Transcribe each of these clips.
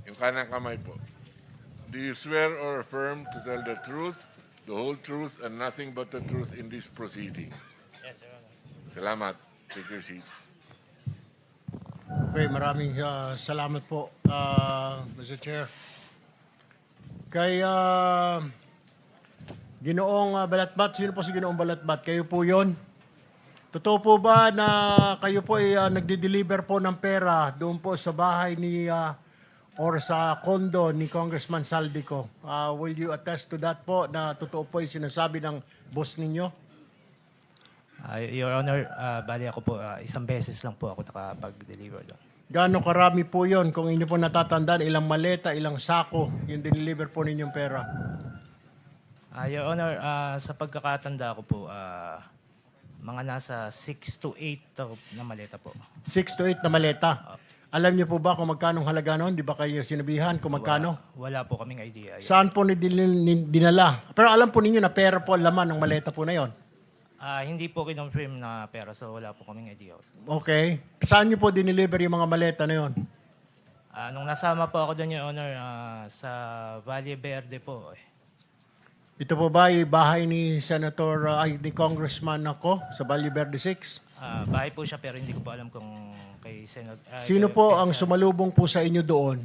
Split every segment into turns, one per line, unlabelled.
Yung kanang kamay po. Do you swear or affirm to tell the truth, the whole truth, and nothing but the truth in this proceeding?
Yes, Your Honor.
Salamat. Take your seats.
Okay, maraming salamat po, Mr. Chair. Kay Ginoong Balatbat, sino po si Ginoong Balatbat? Kayo po yon? Totoo po ba na kayo po ay nagde-deliver po ng pera doon po sa bahay ni or sa condo ni Congressman Saldico? Will you attest to that po na totoo po yung sinasabi ng boss ninyo?
Your Honor, bali ako po, isang beses lang po ako nakapag-deliver doon.
Gaano karami po yon? Kung inyo po natatandaan, ilang maleta, ilang sako yung deliver po ninyong pera?
Your Honor, sa pagkakatanda ko po, mga nasa 6 to 8 na maleta po.
6 to 8 na maleta. Alam niyo po ba kung magkano halaga noon? Di ba kayo sinabihan kung magkano?
Wala po kaming idea.
Saan po dinala? Pero alam po ninyo na pera po ang laman ng maleta po na yon.
Hindi po kinonfirm na pera, so wala po kaming idea.
Okay. Saan niyo po dineliver yung mga maleta na yon?
Nung nasama po ako doon, Your Honor, sa Valle Verde po.
Ito po ba yung bahay ni ni Congressman ako sa Valle Verde 6?
Bahay po siya pero hindi ko po alam kung kay Senate.
Sino po ang sumalubong po sa inyo doon?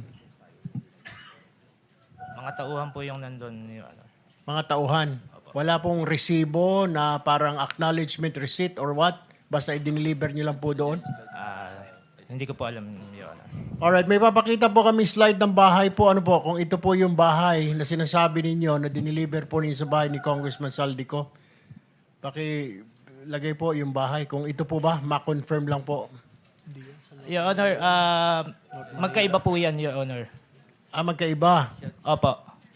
Mga tauhan po yung nandun, Your Honor.
Mga tauhan. Wala pong resibo na parang acknowledgement receipt or what? Basta i-deliver nyo lang po doon?
Hindi ko po alam, Your Honor.
Alright, may papakita po kami slide ng bahay po. Ano po, kung ito po yung bahay na sinasabi ninyo na dineliver po ninyo sa bahay ni Congressman Saldico. Pakilagay po yung bahay. Kung ito po ba, ma-confirm lang po.
Your Honor, magkaiba po yan, Your Honor.
Magkaiba.
Opo.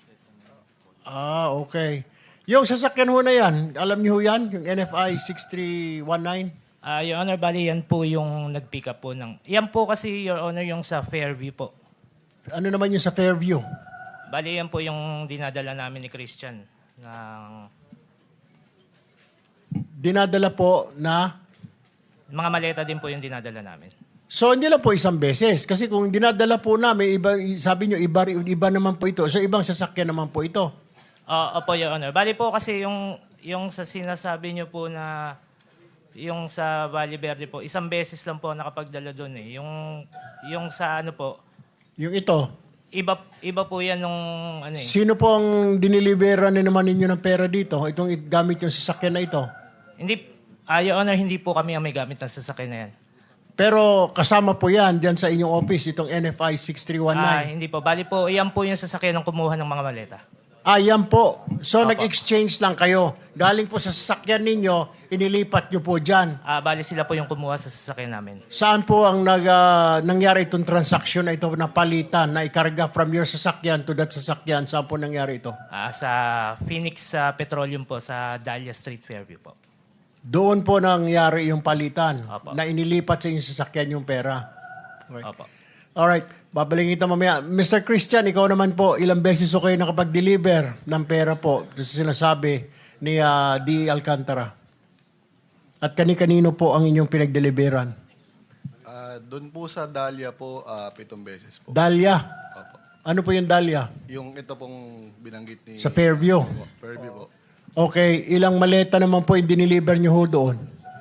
Okay. Yung sasakyan ho na yan, alam niyo ho yan? Yung NFI 6319?
Your Honor, bali yan po yung nag-pick up po ng... Yan po kasi, Your Honor, yung sa Fairview po.
Ano naman yung sa Fairview?
Bali yan po yung dinadala namin ni Christian.
Dinadala po na...
Mga maleta din po yung dinadala namin.
So, hindi lang po isang beses. Kasi kung dinadala po namin, sabi nyo, iba naman po ito. So, ibang sasakyan naman po ito.
Opo, Your Honor. Bali po kasi yung sa sinasabi nyo po na yung sa Valle Verde po, isang beses lang po nakapagdala doon eh. Yung sa ano po,
Yung ito.
iba po yan nung ano eh.
Sino po ang diniliberan na naman ninyo ng pera dito? Itong gamit yung sasakyan na ito.
Hindi, Your Honor, hindi po kami ang may gamit ng sasakyan na yan.
Pero kasama po yan dyan sa inyong office, itong NFI 6319.
Hindi po. Bali po, yan po yung sasakyan ng kumuha ng mga maleta.
Yan po. So,
Opo.
nag-exchange lang kayo. Galing po sa sasakyan ninyo, inilipat nyo po dyan.
Bali sila po yung kumuha sa sasakyan namin.
Saan po ang nangyari itong transaction na ito na palitan, na ikarga from your sasakyan to that sasakyan? Saan po nangyari ito?
Sa Phoenix Petroleum po, sa Dahlia Street, Fairview po.
Doon po nangyari yung palitan,
Opo.
na inilipat sa inyong sasakyan yung pera. Okay.
Opo.
Alright, babalik kita mamaya. Mr. Christian, ikaw naman po, ilang beses ko kayo nakapag-deliver ng pera po sa sinasabi ni D. Alcantara? At kani-kanino po ang inyong pinag-deliveran?
Doon po sa Dahlia po, 7 beses po.
Dahlia.
Opo.
Ano po yung Dahlia?
Yung ito pong binanggit ni...
Sa Fairview.
Opo, Fairview po.
Okay, ilang maleta naman po yung diniliver nyo ho doon?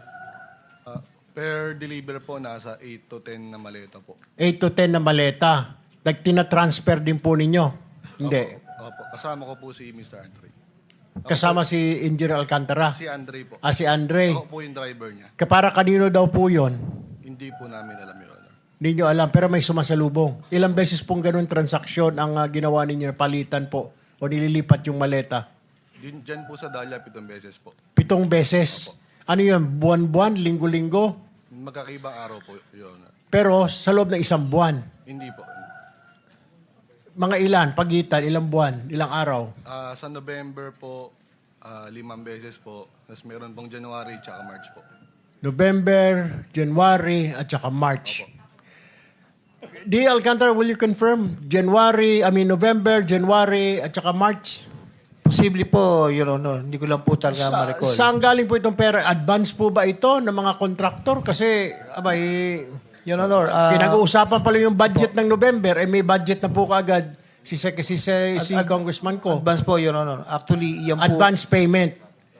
Per deliver po, nasa 8 to 10 na maleta po.
8 to 10 na maleta. Tina-transfer din po ninyo? Hindi.
Opo. Kasama ko po si Mr. Andre.
Kasama si Engineer Alcantara?
Si Andre po.
Si Andre.
Ako po yung driver niya.
Para kanino daw po yon?
Hindi po namin alam, Your Honor.
Hindi nyo alam, pero may sumasalubong. Ilang beses pong ganun transaksyon ang ginawa ninyo, palitan po, o nililipat yung maleta?
Diyan po sa Dahlia, 7 beses po.
7 beses. Ano yun? Buwan-buwan? Linggo-linggo?
Magkakaibang araw po, Your Honor.
Pero sa loob ng isang buwan.
Hindi po.
Mga ilan? Pagitan? Ilang buwan? Ilang araw?
Sa November po, 5 beses po. Tapos meron pong January tsaka March po.
November, January, at saka March. D. Alcantara, will you confirm? November, January, at saka March?
Posible po, Your Honor. Hindi ko lang po talaga ma-recall.
Saan galing po itong pera? Advance po ba ito ng mga kontraktor? Kasi,
Your Honor,
Pinag-uusapan pala yung budget ng November, may budget na po kaagad si Congressman ko.
advance po, Your Honor. Actually, yan po.
Advance payment.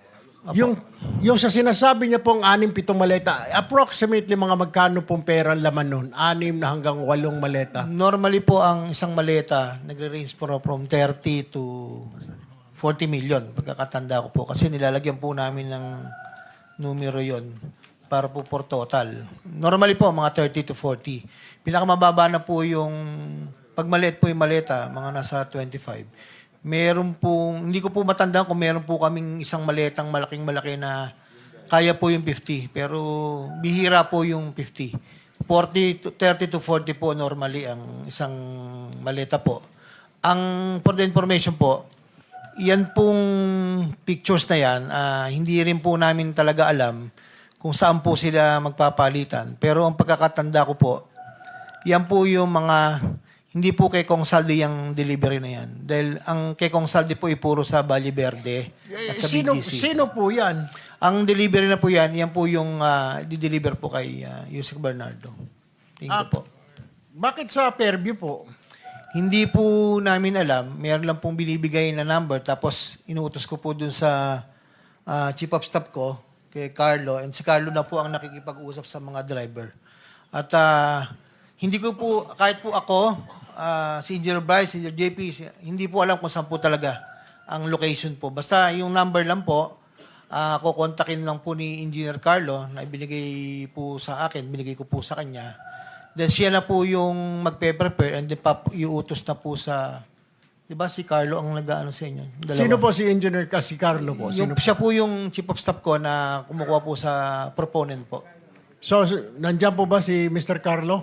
Yung sa sinasabi niya pong 6-7 maleta, approximately mga magkano pong pera ang laman nun? 6 na hanggang 8 maleta.
Normally po, ang isang maleta, nagre-range po from 30 to 40 million. Pagkakatanda ko po. Kasi nilalagyan po namin ng numero yon para po for total. Normally po, mga 30 to 40. Pinakamababa na po yung, pag maliit po yung maleta, mga nasa 25. Meron pong, hindi ko po matandaan kung meron po kaming isang maletang malaking-malaki na kaya po yung 50. Pero bihira po yung 50. 30 to 40 po normally ang isang maleta po. Ang, for the information po, yan pong pictures na yan, hindi rin po namin talaga alam kung saan po sila magpapalitan. Pero ang pagkakatanda ko po, yan po yung mga, hindi po kay Kong Saldi yung delivery na yan. Dahil ang kay Kong Saldi po ay puro sa Valle Verde at sa BGC.
Sino po yan?
Ang delivery na po yan po yung di-deliver po kay Yusek Bernardo. Tingin ko po.
Bakit sa Fairview po?
Hindi po namin alam. Meron lang pong binibigay na number. Tapos inuutos ko po dun sa chief of staff ko, kay Carlo. And si Carlo na po ang nakikipag-usap sa mga driver. At hindi ko po, kahit po ako, si Engineer Bryce, si Engineer JP, hindi po alam kung saan po talaga ang location po. Basta yung number lang po, kukontakin lang po ni Engineer Carlo na ibinigay po sa akin, binigay ko po sa kanya. Then siya na po yung magpe-prepare and then iutos na po sa, di ba si Carlo ang nag-ano sa inyo? Dalawa.
Sino po si Engineer si Carlo po? Sino
Siya po yung chief of staff ko na kumukuha po sa proponent po.
So, nandiyan po ba si Mr. Carlo?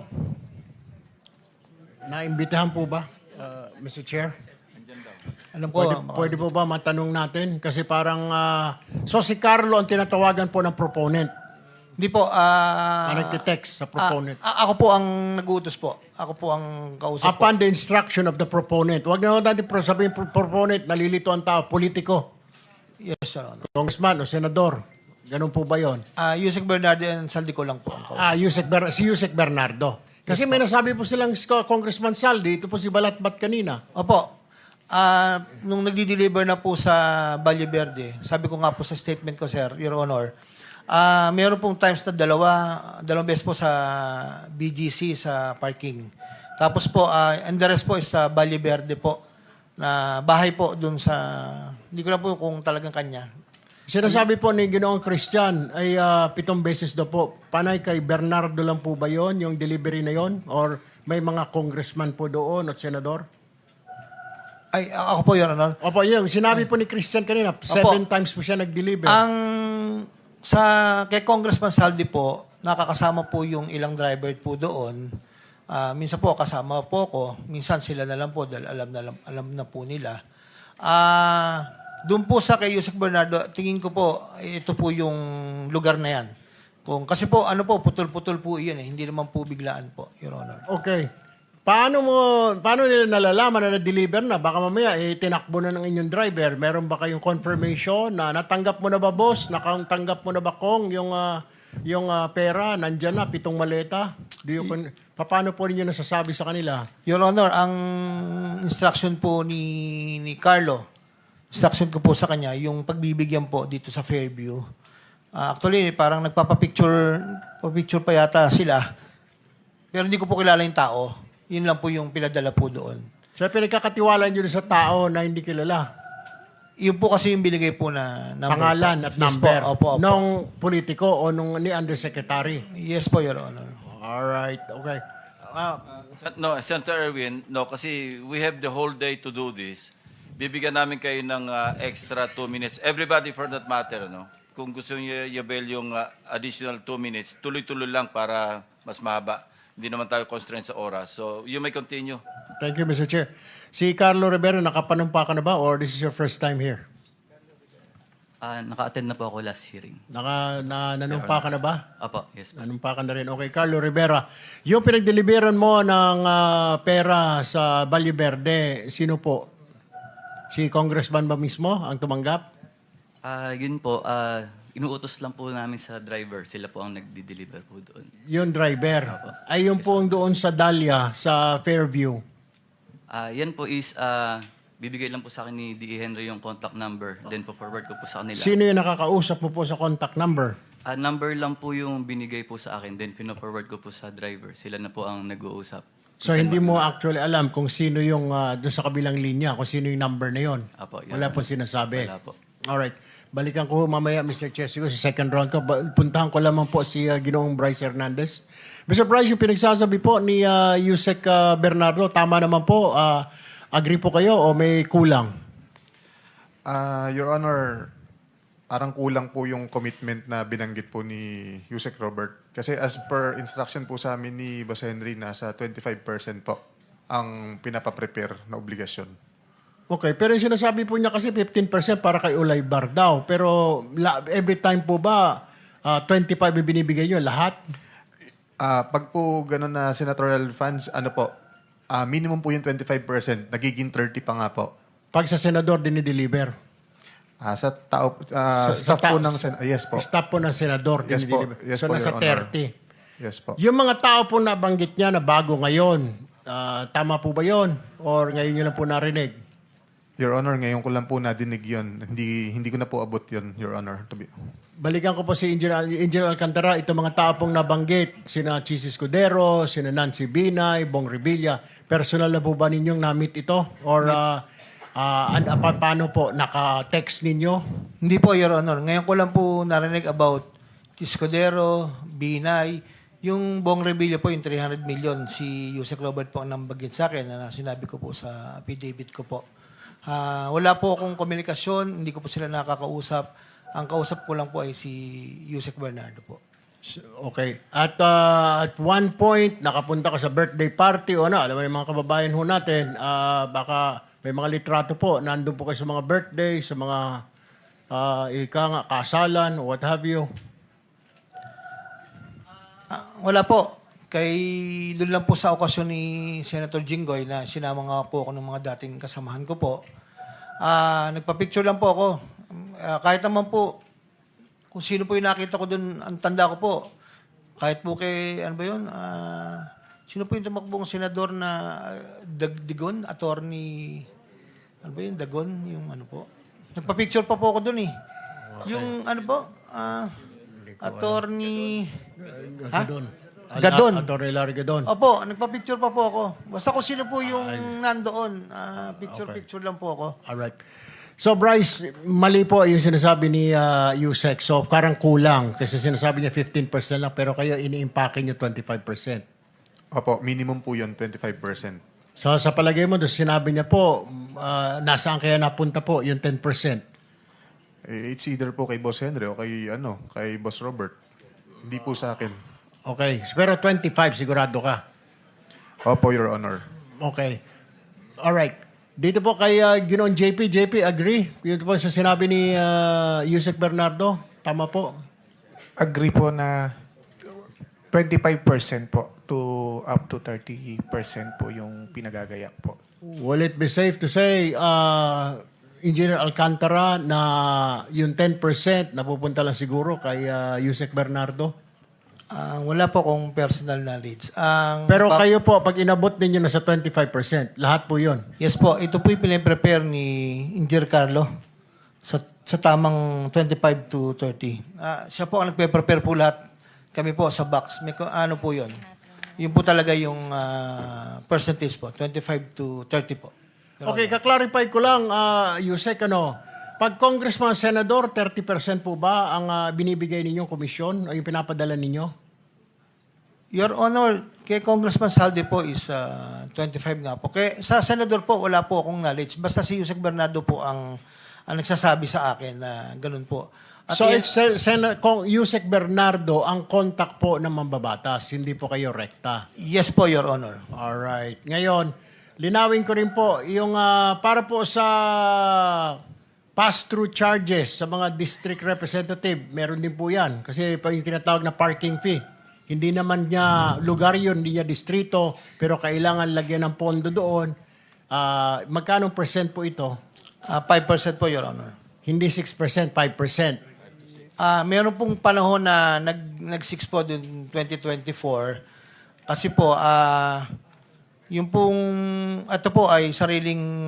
Naimbitahan po ba, Mr. Chair?
Alam ko,
Pwede po ba matanong natin? Kasi parang, so si Carlo ang tinatawagan po ng proponent.
hindi po.
Nagtitext sa proponent.
Ako po ang nag-uutos po. Ako po ang kausap po.
Upon the instruction of the proponent. Huwag na natin sabihin proponent, nalilito ang tao, politiko,
Yes, Your Honor.
congressman o senador. Ganun po ba yon?
Yusek Bernardo and Saldi ko lang po ang kausap.
Si Yusek Bernardo. Kasi may nasabi po silang Congressman Saldi, ito po si Balatbat kanina.
Opo. Nung nagdi-deliver na po sa Valle Verde, sabi ko nga po sa statement ko, Sir, Your Honor, meron pong times na dalawang beses po sa BGC sa parking. Tapos po, and the rest po is sa Valle Verde po, na bahay po dun sa, hindi ko na po kung talagang kanya.
Sinasabi po ni Ginoong Christian ay 7 beses daw po. Panay kay Bernardo lang po ba yon yung delivery na yon? Or may mga congressman po doon at senador?
Ay, ako po, Your Honor.
Opo, yung sinabi po ni Christian kanina, 7 times po siya nag-deliver.
Kay Congressman Saldi po, nakakasama po yung ilang driver po doon. Minsan po kasama po ko, minsan sila na lang po dahil alam na po nila. Doon po sa kay Yusek Bernardo, tingin ko po, ito po yung lugar na yan. Kasi po, putol-putol po yun eh. Hindi naman po biglaan po, Your Honor.
Okay. Paano nila nalalaman na na-deliver na? Baka mamaya, tinakbo na ng inyong driver. Meron ba kayong confirmation na natanggap mo na ba, boss? Natanggap mo na ba, Kong, yung pera? Nandyan na, 7 maleta? Paano po ninyo nasasabi sa kanila?
Your Honor, ang instruction po ni Carlo, instruction ko po sa kanya, yung pagbibigyan po dito sa Fairview. Actually, parang nagpapapicture pa yata sila. Pero hindi ko po kilala yung tao. Yun lang po yung pinadala po doon.
So, pinagkakatiwala nyo sa tao na hindi kilala?
Yun po kasi yung binigay po na number.
Pangalan at
Yes
number?
Po, opo.
Nung politiko o nung ni undersecretary?
Yes po, Your Honor.
Alright, okay.
No, Senator Erwin, no, kasi we have the whole day to do this. Bibigyan namin kayo ng extra 2 minutes. Everybody for that matter, no? Kung gusto niyo i-avail yung additional 2 minutes, tuloy-tuloy lang para mas mahaba. Hindi naman tayo constrained sa oras. So, you may continue.
Thank you, Mr. Chair. Si Carlo Rivera, nakapanumpa ka na ba or this is your first time here?
Naka-attend na po ako last hearing.
Nanumpa ka na ba?
Apo, yes po.
Nanumpa ka na rin. Okay, Carlo Rivera. Yung pinagdeliveran mo ng pera sa Valle Verde, sino po? Si Congressman ba mismo ang tumanggap?
Yun po, Inuutos lang po namin sa driver. Sila po ang nagdi-deliver po doon.
Yung driver.
Opo.
Ay yung pong doon sa Dahlia, sa Fairview.
Yan po is, bibigay lang po sa akin ni D.E. Henry yung contact number. Then po forward ko po sa kanila.
Sino yung nakakausap mo po sa contact number?
Number lang po yung binigay po sa akin. Then pino-forward ko po sa driver. Sila na po ang nag-uusap.
So hindi mo actually alam kung sino yung doon sa kabilang linya, kung sino yung number na yon.
Apo, yun.
Wala po sinasabi.
Wala po.
Alright. Balikan ko mamaya, Mr. Chesico, sa second round ko. Puntahan ko lamang po si Ginoong Bryce Hernandez. Mr. Bryce, yung pinagsasabi po ni Yusek Bernardo, tama naman po. Agree po kayo o may kulang?
Your Honor, parang kulang po yung commitment na binanggit po ni Yusek Robert. Kasi as per instruction po sa amin ni Boss Henry, nasa 25% po ang pinapaprepare na obligasyon.
Okay, pero yung sinasabi po niya kasi 15% para kay Ulay Bar daw. Pero every time po ba 25 yung binibigay niyo lahat?
Pag po ganun na senatorial funds, minimum po yung 25%, nagiging 30 pa nga po.
Pag sa senador dinideliver?
Sa tao, staff po ng yes po.
Staff po ng senador
Yes po.
dinideliver.
Yes
So
po,
nasa
Your Honor.
30.
Yes po.
Yung mga tao po nabanggit niya na bago ngayon, tama po ba yon? Or ngayon niyo lang po narinig?
Your Honor, ngayon ko lang po nadinig yun. Hindi ko na po abot yun, Your Honor.
Balikan ko po si Engineer Alcantara, itong mga tao pong nabanggit, sina Chis Escudero, sina Nancy Binay, Bong Revilla, personal na po ba ninyong na-meet ito? Or paano po, naka-text ninyo?
Hindi po, Your Honor. Ngayon ko lang po narinig about Escudero, Binay, yung Bong Revilla po, yung 300 million, si Yusek Robert po ang nambagit sa akin na sinabi ko po sa affidavit ko po. Wala po akong komunikasyon, hindi ko po sila nakakausap. Ang kausap ko lang po ay si Yusek Bernardo po.
Okay. At one point, nakapunta ka sa birthday party o alam mo yung mga kababayan ho natin, baka may mga litrato po, nandun po kayo sa mga birthday, sa mga kasalan, what have you.
Wala po. Doon lang po sa okasyon ni Senator Jinggoy na sinama nga po ako ng mga dating kasamahan ko po. Nagpa-picture lang po ako. Kahit naman po, kung sino po yung nakita ko doon, ang tanda ko po. Kahit po kay, ano ba yun? Sino po yung tumakbong senador na Dagon? Attorney, ano ba yun? Dagon? Yung ano po? Nagpa-picture pa po ako doon eh. Yung ano po? Attorney... Gadon.
Attorney Larry Gadon.
Opo, nagpa-picture pa po ako. Basta kung sino po yung nandoon, picture lang po ako.
Alright. So Bryce, mali po yung sinasabi ni Yusek. So parang kulang kasi sinasabi niya 15% lang pero kayo ini-impake niyo 25%.
Opo, minimum po yun, 25%.
So sa palagay mo, doon sinabi niya po, nasaan kaya napunta po yung 10%?
It's either po kay Boss Henry o kay Boss Robert. Hindi po sa akin.
Okay. Pero 25 sigurado ka.
Opo, Your Honor.
Okay. Alright. Dito po kay Ginoong JP. JP, agree? Yun po sa sinabi ni Yusek Bernardo. Tama po.
Agree po na 25% po to up to 30% po yung pinagagayak po.
Will it be safe to say, Engineer Alcantara, na yung 10% napupunta lang siguro kay Yusek Bernardo?
Wala po akong personal knowledge.
Pero kayo po, pag inabot ninyo na sa 25%, lahat po yun.
Yes po, ito po yung pinaprepare ni Engineer Carlo sa tamang 25 to 30. Siya po ang nagpe-prepare po lahat. Kami po sa box. Ano po yun? Yun po talaga yung percentage po, 25 to 30 po.
Okay, kaklarify ko lang, Yusek, pag congressman, senador, 30% po ba ang binibigay ninyong komisyon o yung pinapadala ninyo?
Your Honor, kay Congressman Saldi po is 25 nga po. Sa senador po, wala po akong knowledge. Basta si Yusek Bernardo po ang nagsasabi sa akin na ganun po. At
So, it's Yusek Bernardo ang contact po ng mambabatas, hindi po kayo rekta.
yes po, Your Honor.
Alright. Ngayon, linawin ko rin po, yung para po sa pass-through charges sa mga district representative, meron din po yan. Kasi pa yung tinatawag na parking fee. Hindi naman niya lugar yun, hindi niya distrito, pero kailangan lagyan ng pondo doon. Magkano percent po ito?
5% po, Your Honor.
Hindi 6%, 5%.
Meron pong panahon na nag-6 po dun 2024. Kasi po, yung pong, ito po ay sariling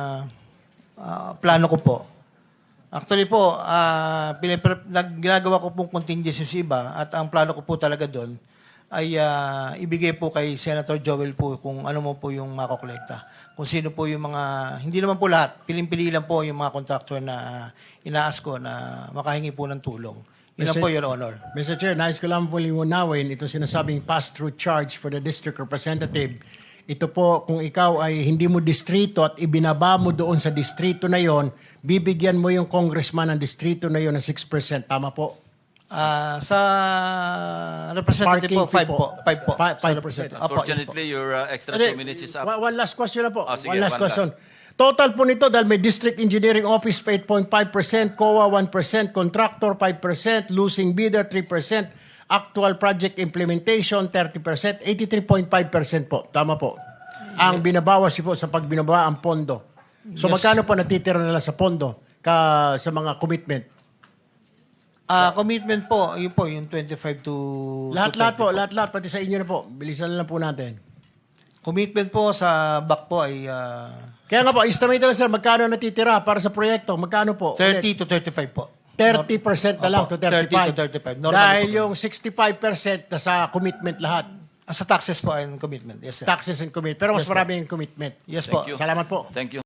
plano ko po. Actually po, ginagawa ko pong contingency sa iba at ang plano ko po talaga doon ay ibigay po kay Senator Joel po kung ano mo po yung makokolekta. Kung sino po yung mga, hindi naman po lahat, piling-pili lang po yung mga contractor na inaas ko na makahingi po ng tulong. Yun lang po, Your Honor.
Mr. Chair, nais ko lang po liwanawin itong sinasabing pass-through charge for the district representative. Ito po, kung ikaw ay hindi mo distrito at ibinaba mo doon sa distrito na yon, bibigyan mo yung congressman ng distrito na yon ng 6%. Tama po?
Sa representative po, 5 po. 5 po.
5%.
Unfortunately, your extra 2 minutes is up.
One last question na po.
Sige,
One last
one
question. Total po nito dahil may District Engineering Office 8.5%, COA 1%, Contractor 5%, Losing Bidder 3%, Actual Project Implementation 30%, 83.5% po. Tama po. Ang binabawas po sa pagbinaba ang pondo. So magkano po natitira nila sa pondo sa mga commitment?
Commitment po, yun po, yung 25 to...
Lahat-lahat po, lahat-lahat, pati sa inyo na po. Bilisan na lang po natin.
Commitment po sa back po ay
Kaya nga po, estimate lang sir, magkano natitira para sa proyekto? Magkano po?
30 to 35 po.
30% na lang to 35.
30 to 35. Normally
Dahil
po.
yung 65% na sa commitment lahat.
Sa taxes po and commitment. Yes, sir.
Taxes and commitment. Pero mas
Yes, po.
marami yung commitment.
Yes po.
Thank you.
Salamat po.
Thank you.